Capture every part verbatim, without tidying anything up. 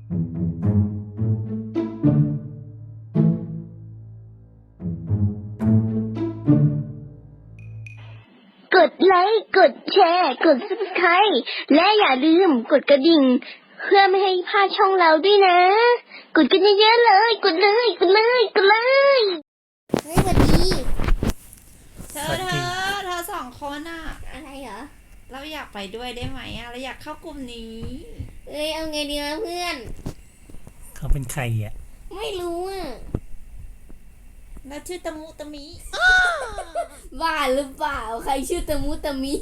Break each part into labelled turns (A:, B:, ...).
A: กดไลค์กดแชร์กด ซับสไครบ์ และอย่าลืมกดกระดิ่งเพื่อไม่ให้พลาดช่องเราด้วยนะกดกันเยอะๆเลยกดเลยกดเลยกดเลยเฮ้ยสวัสดี
B: เธอเธอเธอสองคนอะ
A: อะไรเหรอ
B: เราอยากไปด้วยได้ไหมอะเราอยากเข้ากลุ่มนี้
A: เอ้ยเอาไงดีวะเพื่อน
C: เขาเป็นใครอ่ะ
A: ไม่รู้อ่ะ
B: แล้วชื่อตะมุตะมิ
A: บ้าหรือเปล่าใครชื่อตะมุตะมิ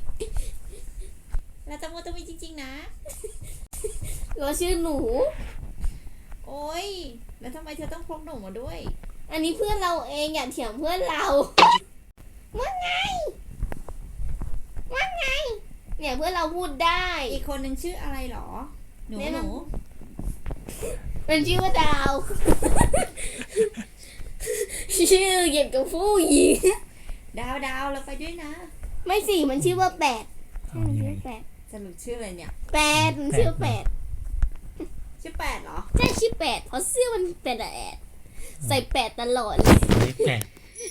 B: แล้วตะมุตะมิจริงๆนะ
A: เราชื่อหนู
B: โอ๊ยแล้วทำไมเธอต้องพกหนูมาด้วย
A: อันนี้เพื่อนเราเองอย่าเถียงเพื่อนเราว่าไงว่าไงเนี่ยเพื่อนเราพูดได้
B: อีกคนนึงชื่ออะไรหรอหนูหนู
A: เป็นชื่อว่าดาวชื่อเกี่ยวกับผู้หญิง
B: ดาวดาวเราไปด้วยนะ
A: ไม่สิมันชื่อว่าแปดชื่อแปด
B: สรุปชื่ออะไรเนี่ย
A: แปดมันชื่อแปด
B: ชื่อแปดเหรอ
A: ใช่ชื่อแปดเพราะเสื้อมันเป็นแอดใส่แปดตลอดเลย
C: แปด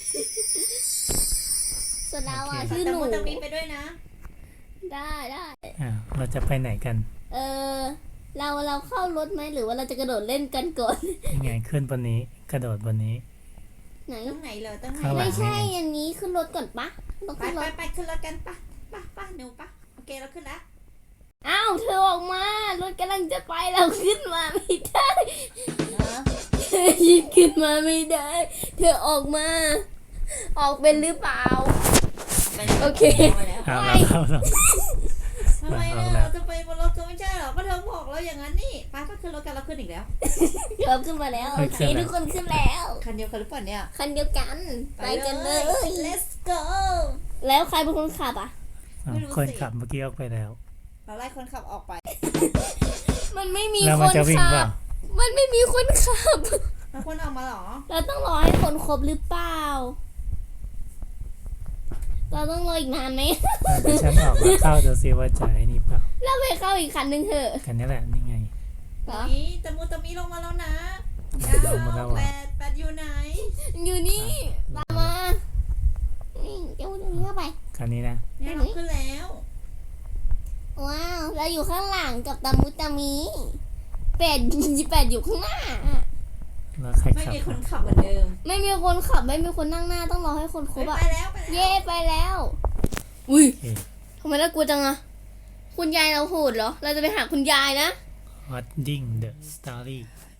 A: ส่วนเราอ่ะชื่อหนู
B: แต่มีไปด้วยนะ
A: ได้ได้
C: อ่าเราจะไปไหนกัน
A: เออเราเราเข้ารถไหมหรือว่าเราจะกระโดดเล่นกันก่อน
C: ยังไงขึ้นบนนี้กระโดดบนนี้
A: ไหน
B: ตรงไหนเลยตรงไหน
A: ไม่ใช่อันนี้ขึ้นรถก่อนปะ
B: ไปไปไปขึ้นรถกันปะปะปะหนูปะโอเคเราขึ้นแล้ว
A: อ้าวเธอออกมารถกำลังจะไปเราขึ้นมาไม่ได้เธอยิงขึ้นมาไม่ได้เธอออกมาออกเป็นหรือเปล่าโอเค
C: เอาเราเข้าเรา
B: ทำไมเราจะไปบนรถก็ไม่ใช่หรอก็เธอบอกเราอย่างนั้นนี่ไปก็ขึ้นรถกันเราขึ้นอีกแล้ว
A: เราขึ้นมาแล้วโอเคทุกคนขึ้นแล้ว
B: คันเดียวกันหรือเปล่าเนี่ย
A: คันเดียวกันไปกันเลย
B: let's go
A: แล้วใครเป็นคนขับอ่ะ
C: คนขับเมื่อกี้ออกไปแล้ว
B: เราไล่คนขับออกไป
A: มันไม่มีคนขับมันไม่มีคนขับ
B: แล้วคนออกมาหรอ
A: เราต้องรอให้คนครบหรือเปล่าเราต้องรออีกนานไหม
C: เดี๋ยวฉันออกมาเข้าจะซิว่าจะไอ้นี่เปล่า
A: เราไปเข้าอีกคันนึงเถอะ
C: คันนี้แหละนี่ไง
B: นี่ตะมุตะมิลงมาแล้วนะแปดแปดอยู่ไหน
A: อยู่นี่ตามมานี่เจ้าตรงนี้เข้าไป
C: คันนี้นะ
B: เนี่ยเราขึ้นแล้ว
A: ว้าวเราอยู่ข้างหลังกับตะมุตะมิแปดแปดอยู่ข้างหน้า
C: แล้วใครขับ
B: ไม่มีคนขับเหมือนเดิม
A: ไม่มีคนขับไม่มีคนนั่งหน้าต้องรอให้คนครบอ่ะ
B: ไปแล้ว
A: เย่ไปแล้วอุ้ยทำไมน่ากลัวจังอะคุณยายเราโหดเหรอเราจะไปหาคุณยายนะ
C: Holding the story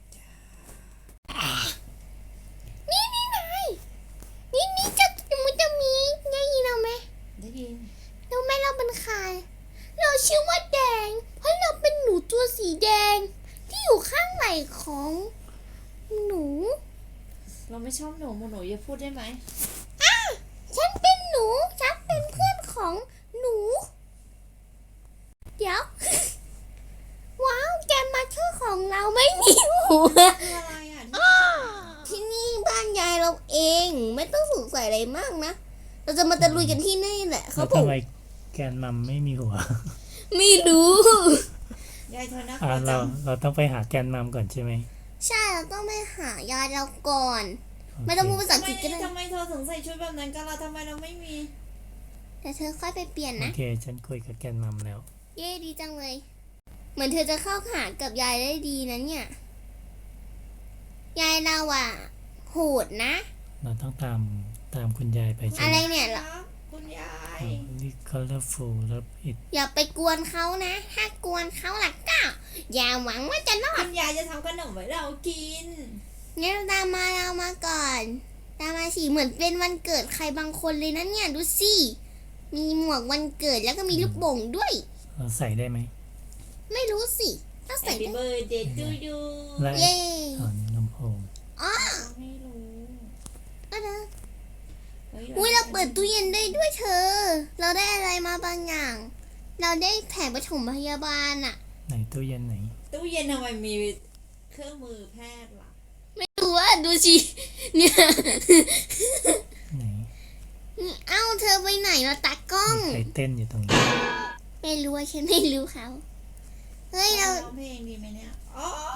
A: นี่นี่นายนี่นี่จะมันจะมีได้ยินเราไหม
B: ได้ยิน
A: เราไม่เราเป็นใครเราชื่อว่าแดงเพราะเราเป็นหนูตัวสีแดงที่อยู่ข้างไหล่ของหนู
B: เราไม่ชอบหนูหนูอย่าพูดได้ไหม
A: อ้าฉันเป็นหนูฉันเป็นเพื่อนของหนูเดี๋ยวว้าวแกมาชื่อของเราไม่มีหัว
B: คืออะไรอ่ะ
A: ที่นี่บ้านยายเราเองไม่ต้องสงสัยอะไรมากนะเราจะมาตะลุยกันที่นี่แหละเขาบอก
C: ทำไมแกนมัมไม่มีหัว
A: ไม่รู้
B: ยายเธอนะ
C: เราเราต้องไปหาแกนมัมก่อนใช่ไหม
A: ใช่เราต้องไปหายายเราก่อนไม่ต้องพูดภาษาอังกฤษก็ได้
B: ทำไมเธอถึงใส่ชุดแบบนั้นกันล่ะทำไมเราไม่มี
A: แต่เธอค่อยไปเปลี่ยนนะ
C: โอเคฉันคุยกับแกนมัมแล้ว
A: เย้ดีจังเลยเหมือนเธอจะเข้าหากับยายได้ดีนะเนี่ยยายเราอ่ะโหดนะ
C: เราต้องตามตามคุณยายไปใช่ไหม
A: อะไรเนี่ยล่ะ
B: คุณยาย
C: นี่ colorful แล้วอิด
A: อย่าไปกวนเขานะถ้ากวนเขาหลักก็อย่าหวังว่าจะรอด
B: คุณยายจะทำขนมไว้เรากิน
A: งั้นตามมาเรามาก่อนตามมาสิเหมือนเป็นวันเกิดใครบางคนเลยนะเนี่ยดูสิมีหมวกวันเกิดแล้วก็มีลูกโป่งด้วย
C: เราใส่ได้ไหม
A: ไม่รู้สิต้องใส่ได้
B: Happy birthday to you
A: เย้
C: อ๋อลำโพง
A: อ๋อ
B: ไม่รู้
A: ก็เด้ออุ้ยเราเปิดตู้เย็นได้ด้วยเธอเราได้อะไรมาบางอย่างเราได้แผนปฐมพยาบาลอะ
C: ไหนตู้เย็นไหน
B: ตู้เย็นทำไมมีเครื่องมือแพทย์ล่ะ
A: ไม่รู้ว่าดูสิเนี่ย
C: ไหน
A: เอ้าเธอไปไหนมาตากล้อง
C: ใครเต้นอยู่ตรงนี้
A: ไม่รู้ฉันไม่รู้เขาเฮ้ยเรา
B: ร้องเพลงดีไหมเนี่ยอ๋อ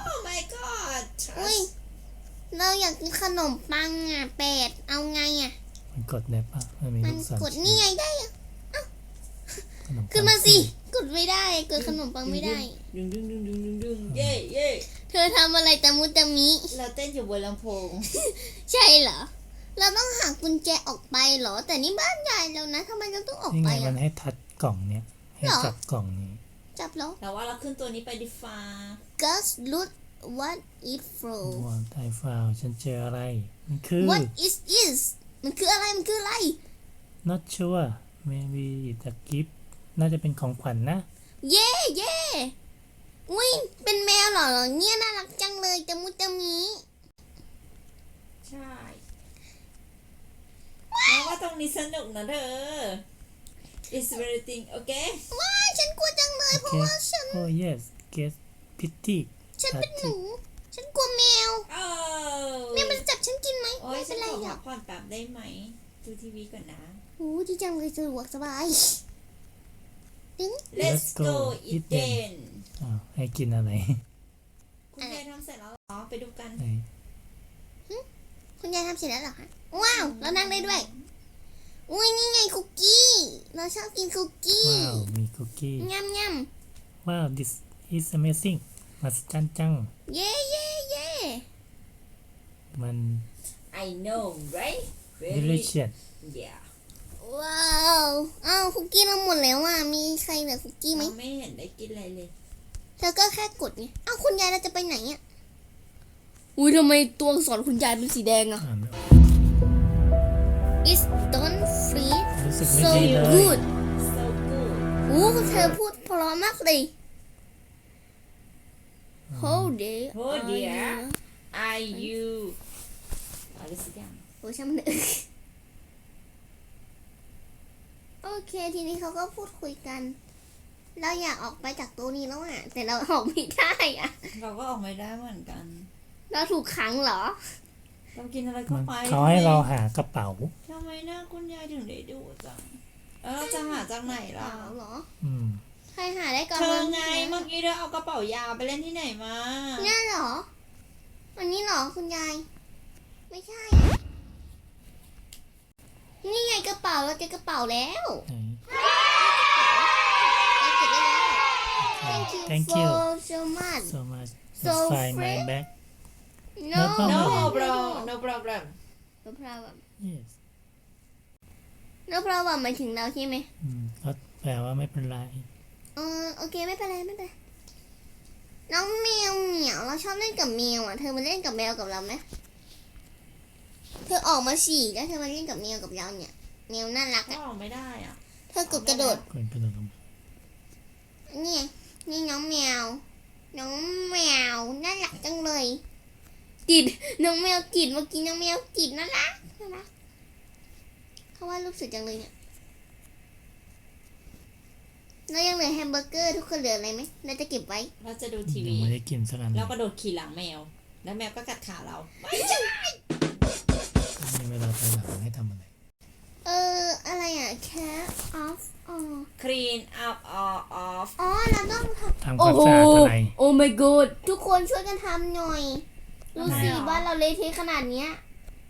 A: อุ้ย เราอยากกินขนมปังอ่ะเป็ดเอาไงอ่ะ
C: มันกดได้ปะมันมี
A: มั
C: ลู
A: น
C: กศร
A: กดนี่ไงได้อะ
C: ขนมปัง
A: ขึ้นมาสิ กดไม่ได้กดขนมปังไม่ได้
B: ดึงดึงดึงดึงดึงดึงเย่เย่
A: เธอทำอะไรตะมุตะมิ
B: เราเต้นอยู่บนลำโพง
A: ใช่เหรอ เราต้องหากุญแจออกไปเหรอ แต่นี่บ้านใหญ่แล้วนะทำไมเราต้องออก
C: นี่
A: ไป
C: ไงมั
A: อ่ะ
C: นให้ทัดกล่องเนี้ยให้
A: หรอ
C: จับกล่องนี้
A: จับแล้ว
B: แต่ว่าเราขึ้นตัวนี้ไปดิฟ้า
A: Gus look what it from
C: วอนไทฟาวฉันเจออะไร มันคือ
A: What is is มันคืออะไรมันคืออะไร
C: not sure maybe it's a gift น่าจะเป็นของขวัญนะ
A: เย่เย่อุ้ยเป็นแมวเหรอเนี่ยน่ารักจังเลยตะมุตะมิ
B: ใช่แล้วว่าตรงนี้สนุกนะเธอ It's very thing โอเค
A: ว้ายฉันกลัวจังเลยเพราะว่าฉัน
C: oh yes get pity
A: ฉันเป็นหนู ฉันกลัวแมว
B: โอ้
A: แมวมันจะจับฉันกินไหม
B: โอ้
A: ไม่
B: ย
A: เป็
B: ฉั
A: น
B: น
A: ไร
B: ขอ
A: หร
B: พั
A: อก
B: กผ่อนแป๊บได้ไหม ดูทีวีก่อนนะ
A: โอ้ดีจังเลยสะดวกสบายดึง
B: Let's go eat then
C: อ้าวให้กินอะไร
B: คุณยายทำเสร็จแล้วเหรอ ไปดูกัน
C: ไหน
A: คุณยายทำเสร็จแล้วเหรอคะว้าวเรานั่งได้ด้วยอุ้ยนี่ไงคุกกี้เราชอบกินคุกกี้
C: ว้าวมีคุกกี้
A: ยำย
C: ว้าว this is amazing มหัศจรรย์จัง
A: ำเย่เย่เย่
C: มัน
B: I know right Very
C: delicious
B: yeah
A: ว้าวอ้าวคุกกี้เราหมดแล้วอ่ะมีใครเหลือคุกกี้ไหม
B: เราไม่เห็นได้กินอะไรเลย
A: เธอก็แค่กดไงอ้าวคุณยายเราจะไปไหนอ่ะอุ้ยทำไมตัวอักษรคุณยายเป็นสีแดงอ่ะ
C: อ่านไม่ออก
A: It's don't freeze
C: รู้สึกไม่
A: so
C: ดีเลย
A: good
B: so good
A: อู้เธอพูดเพราะมากเลย Hold it
B: Oh dear Are you อะไรสักอย่าง
A: โอ้ช่างมันเถอะโอเคทีนี้เขาก็พูดคุยกัน เราอยากออกไปจากตัวนี้แล้วอ่ะ แต่เราออกไม่ได้อ่ะ
B: เราก็ออกไม่ได้เหมือนกัน
A: เราถูกขังเหรอ
B: เรากินอะไรเข้า
C: มัน
B: ไป
C: เขาให้เราหากระเป๋า
B: ทำไมหน้าคุณยายถึงได้ดูจัง แล้วเราจะหาจากไหน
A: เป
B: ล่ะ
A: ล่าเหรอ
C: อืม
A: ใครหาได้ก่อน
B: เธอ
A: วัน
B: ไง
A: นี้
B: เมื่อกี้เธอเอากระเป๋ายาไปเล่นที่ไหนมา
A: เนี่ยเหรอ อันนี้เหรอคุณยาย ไม่ใช่ นี่ไงกระเป๋าเราเจอกระเป๋าแล้ว
C: ไหน
A: เราเก็บได้แล้ว Thank you
C: Thank you
A: for so much
C: so much
A: So
C: let's find my
A: fresh
C: bag
A: No
C: No
B: No
C: problem
B: problem No problem
A: No problem
C: yes
A: No problem หมายถึงเราใช่ไหม
C: อืมก็แปลว่าไม่เป็นไร
A: เออโอเคไม่เป็นไรไม่เป็นไร น้องแมวเหมียวเราชอบเล่นกับแมวอ่ะ เธอมาเล่นกับแมวกับเราไหมเธอออกมาฉี่แล้วเธอมาเล่นกับแมวกับเราเนี่ยแมวน่ารัก
B: ก็
A: อ่ะ
B: ออกไม่ได้อ่ะ
A: เธอกดกระโดด
C: คนกระโดดลงมา
A: นี่ไงนี่น้องแมว น้องแมวน่ารักจังเลยกิดน้องแมวกิดเมื่อกี้น้องแมวกิดน่ารักน่ารักเขาว่ารูปสวยจังเลยเนี่ยแล้วยังเหลือแฮมเบอร์เกอร์ทุกคนเหลืออะไรไหมเราจะเก็บไว้
B: เราจะดูที
C: ยั
B: วี
C: งไม่ได้กินสักอันเล
B: เรา
C: ย
B: ก็โดดขี่หลังแมว แล้วแมวก็กัดขาเรา
C: มีเวลาไปหลังให้ทำอะไร
A: เอออะไรอ่ะ cat off อ๋อ
B: Clean up all off
A: อ๋อเราต้องทำ
C: ทำความสะอาดอะไร
A: โอ้ my god ทุกคนช่วยกันทำหน่อยดูสิ
B: ทำไมหรอ
A: บ้านเราเละเทะขนาดเนี้ย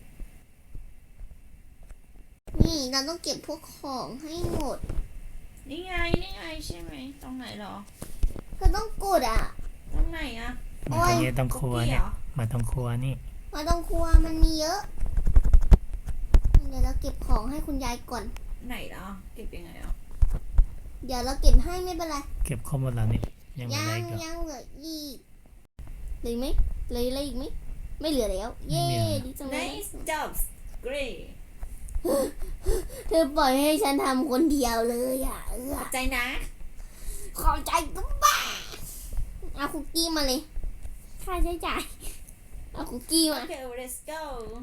A: นี่เราต้องเก็บพวกของให้หมด
B: นี่ไง นี่ไงใช่ไหม ตรงไหนเหรอ
A: เราต้องกดอ่ะ
B: ตรงไหนอะ
C: มาตรงนี้ต้องครัวเนี่ยมาตรงครัวนี่
A: มาตรงครัวมันมีเยอะ เดี๋ยวเราเก็บของให้คุณยายก่อน
B: ไหนเนาะเก็บยังไงอ่ะ
A: เดี๋ยวเราเก็บให้ไม่เป็นไร
C: เก็บข้อมูลแล้วนี่ยังไม่
A: ยั
C: ได้
A: ง
C: ก็
A: ยังเหลืออีกเหลืออีกไหมเหลืออะไรอีกไหมไม่เหลือแล้ว เย้ดีจังเลย
B: Nice job Great
A: เธอปล่อยให้ฉันทำคนเดียวเลยอ่ะเออ
B: ขอบใจนะ
A: ขอบใจก็บ้าเอาคุกกี้มาเลยค่าใช้จ่ายเอาคุกกี้มา
B: Okay let's go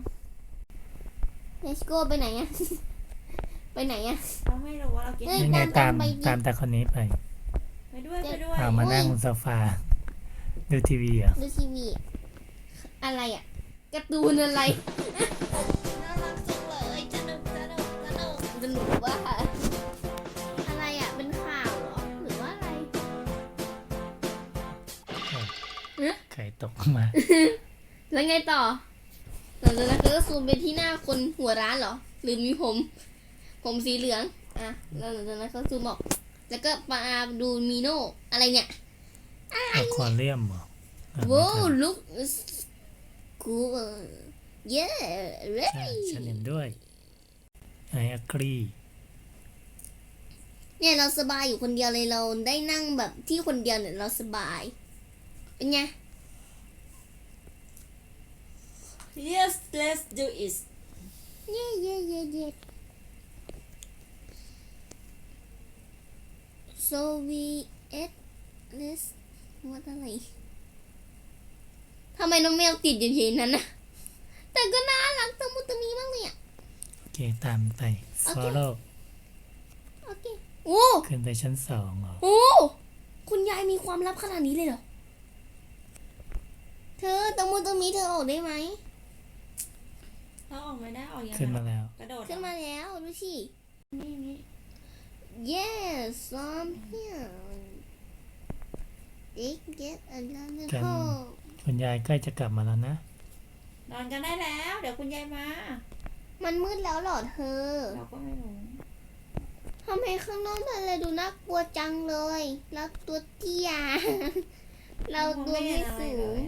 A: Let's go ไปไหนอะ ไปไหนอะ
B: เราไม่รู้ว่าเรากิน
A: เฮ้ย
C: ยังไง
A: ตา
C: ตาม ม
A: ไปดิ
C: ตามแต่คนนี้ไป
B: ไปด้วยไปด้วย
C: เอามานั่งบนโซฟาดูทีวีเหรอ่ะ
A: ดูทีวี อะไรอะการ์ตูนอะไร
B: น่ารักจังเลยสนุกสนุกสนุก
A: สนุกว่าอะไรอะเป็นข่าวเหรอ หรือว่าอะไร
C: ไข่ตกมา
A: แล้วไงต่อหลังจากนั้นก็ซูมไปที่หน้าคนหัวร้านเหรอหรือมีผม ผมสีเหลืองอ่ะแล้วหลังจากนั้นก็ซูมออกแล้วก็มาดูมีโน่อะไรเนี่ย
C: อะควาเรียมเหรออ่ะ
A: โว้
C: ไม่ทัน
A: look cool yeah
C: ใช่
A: ready
C: ฉันเห็นด้วย I agree
A: เนี่ยเราสบายอยู่คนเดียวเลยเราได้นั่งแบบที่คนเดียวเนี่ยเราสบาย เป็นไง
B: yes let's do it
A: เย่เย่เย่เย่ so we ate this ว่าอะไรทำไมน้องแมวติดอยู่ที่นั้นนะแต่ก็น่ารักตะมุตะมีมากเลยอ่ะ
C: โอเคตามไป
A: โอเค
C: follow
A: โอเคโอ้
C: ขึ้นไปชั้นสองเหรอ
A: โอ้คุณยายมีความลับขนาดนี้เลยเหรอ เธอตะมุตะมีเธอออกได้ไหม
B: เราออกไม่ได้ออกยังไง
C: ขึ้นมาแล้ว
B: กระโดด
A: ขึ้นมาแล้วดูสิ
B: นี่นี่
A: yes I'm here It get another
C: กัน
A: hole
C: คุณยายใกล้จะกลับมาแล้วนะ
B: นอนกันได้แล้ว เดี๋ยวคุณยายมา
A: มันมืดแล้วเหรอเธอ
B: เราก็ไม่รู้
A: ทำไมข้างนอกมันเลยดูน่ากลัวจังเลย แล้วตัวเตี้ย เราตัวไม่สูง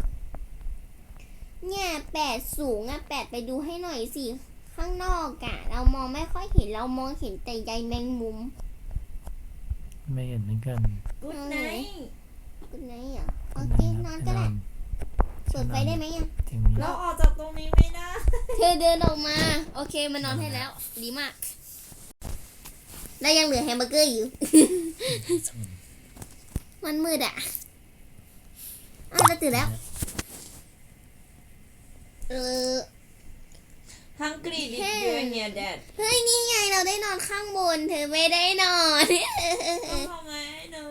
A: เนี่ยแปดสูงอะแปดไปดูให้หน่อยสิ ข้างนอกอะเรามองไม่ค่อยเห็นเรามองเห็นแต่ใยแมงมุม
C: ไม่เห็นเหมือนกัน
B: กูดไนท์
A: คุณไหนอ่ะโอเคนอนก็ได้เปิดไฟได้ไหมอ่ะ
C: ถึงนี้
B: เราออกจากตรงนี้ไม่ได้
A: เธอเดินออกมา โอเคมานอนให้แล้ว ดีมาก แล้วยังเหลือแฮมเบอร์เกอร์อยู่ มันมืดอ่ะอ้าวเราตื่นแล้ว เออ
B: ฮังกี้ดิ
A: เฮ้
B: เยอะเนี่ยแดด
A: เฮ้ยนี่ไงเราได้นอนข้างบน เธอไม่ได้นอน
B: ต้องทำไงเนอะ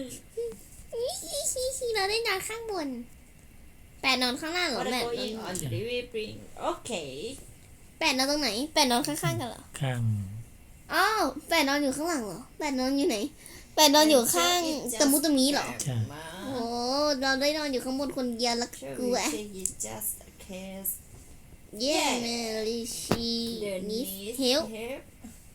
A: เราได้นอนข้างบน แปดนอนข้างล่างเหรอ
B: What
A: แม่
B: are going on the living room โอเค
A: แปดนอนตรงไหน แปดนอนข้างๆกันเหรอ
C: ข้าง
A: อ้าวแปดนอนอยู่ข้างหลังเหรอแปดนอนอยู่ไหนแปดนอนอยู่ข้างตะมุตะมีเหรอ
C: ใช่
A: โอ้เราได้นอนอยู่ข้างบนคนเดียวแล้วกลัว
B: it's just a case
A: เย่เมลิชี
B: the
A: นิส
B: knees
A: เฮล
B: help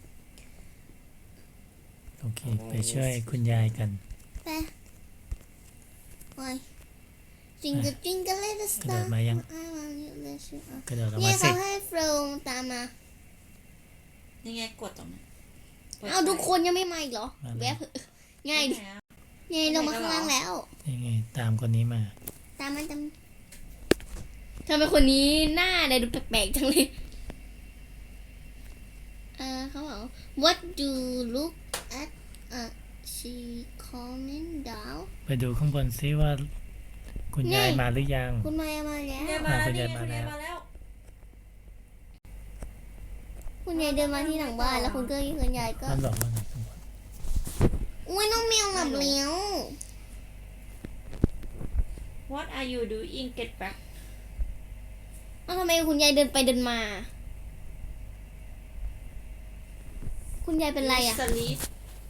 C: โอเค ไปช่วยคุณยายกัน
A: ไปโอ้ยจิงกะจิงกะเลตส
C: กระโด
A: ตา
C: ด
A: ร์
C: มายัง กระโดดออก
A: เนี่
C: มาย สิ
A: เขาให้โฟลตามมา
B: นี่ไงกดตรงนั้น
A: เอาทุกคนยังไม่มาอีกเหรอ
C: มาแล้ว
A: แวบง่ายดิ
B: ไหนอะ
A: ง่ายลงมาข้างล่างแล้ว
C: ยังไงตามคนนี้มา
A: ตามมันตามทำไมคนนี้หน้าอะไรดูแปลกๆจังเลยเออเขาบอก What do you look at uh, she coming down
C: ไปดูข้างบนซิว่า คุณยาย
A: นี่
C: มาหรือยัง
A: คุณมายมาแล้ว
B: เนี่ยมาแล้ว
C: คุณ
B: นี่
C: ยาย
B: ไง
C: มา
B: คุณ
C: แล้
B: ยายว มาแล้ว
A: คุณยายเดินมาที่หลังบ้านแล้วคุณก็คุณยายก็
C: มันบอกว่าไงข้างบน
A: อุ้ยน้องแมวหลับแล้ว
B: What are you doing get back
A: เอ้าทำไมคุณยายเดินไปเดินมา คุณยายเป็นไรอ่ะ
B: sleep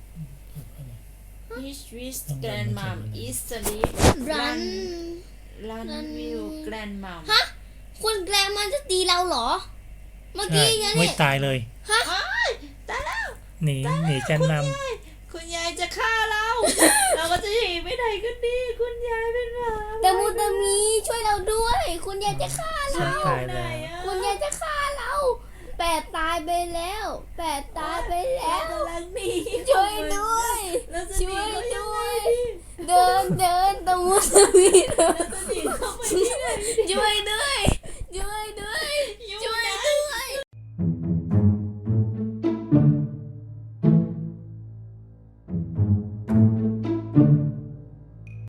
B: His wish grandmom is sleep
A: Run
B: Run
A: Run
B: will grandmom
A: ฮะ คุณแกรมมันจะตีเราเหรอ เมื่อ
C: ใช่
A: กี้ไง
C: ไม่
A: เนี่ย
C: ตายเลย
B: อ้ายตายแล้ว
C: หนี หนีกันน
B: คุณยายจะฆ่าเรา เราก็จะหนีไปไหนกันดี คุณยายเป็นหมา
A: แต่มูตามีช่วยเราด้วย คุณยายจะฆ่า
C: ำฉั
A: เรา
C: นตาย
B: ไหน
C: แล้ว
B: อะ
A: คุณยายจะฆ่าเรา แปดตายไปแล้ว แปดตายไปแล้ว
B: เรากำลังหนี
A: ช่วยด้วย
B: เราจะห
A: ช่
B: นี
A: วย
B: เขายัง
A: ด้
B: ไง
A: วย
B: ดี
A: เดินเดินตะมูตะมีเดิน
B: เราจะหนีเข้าไปที่ไหนดี
A: ช่วยด้วย ช่วยด้วย
B: อยู่
A: ช่วย
B: ไหน
A: ด้วย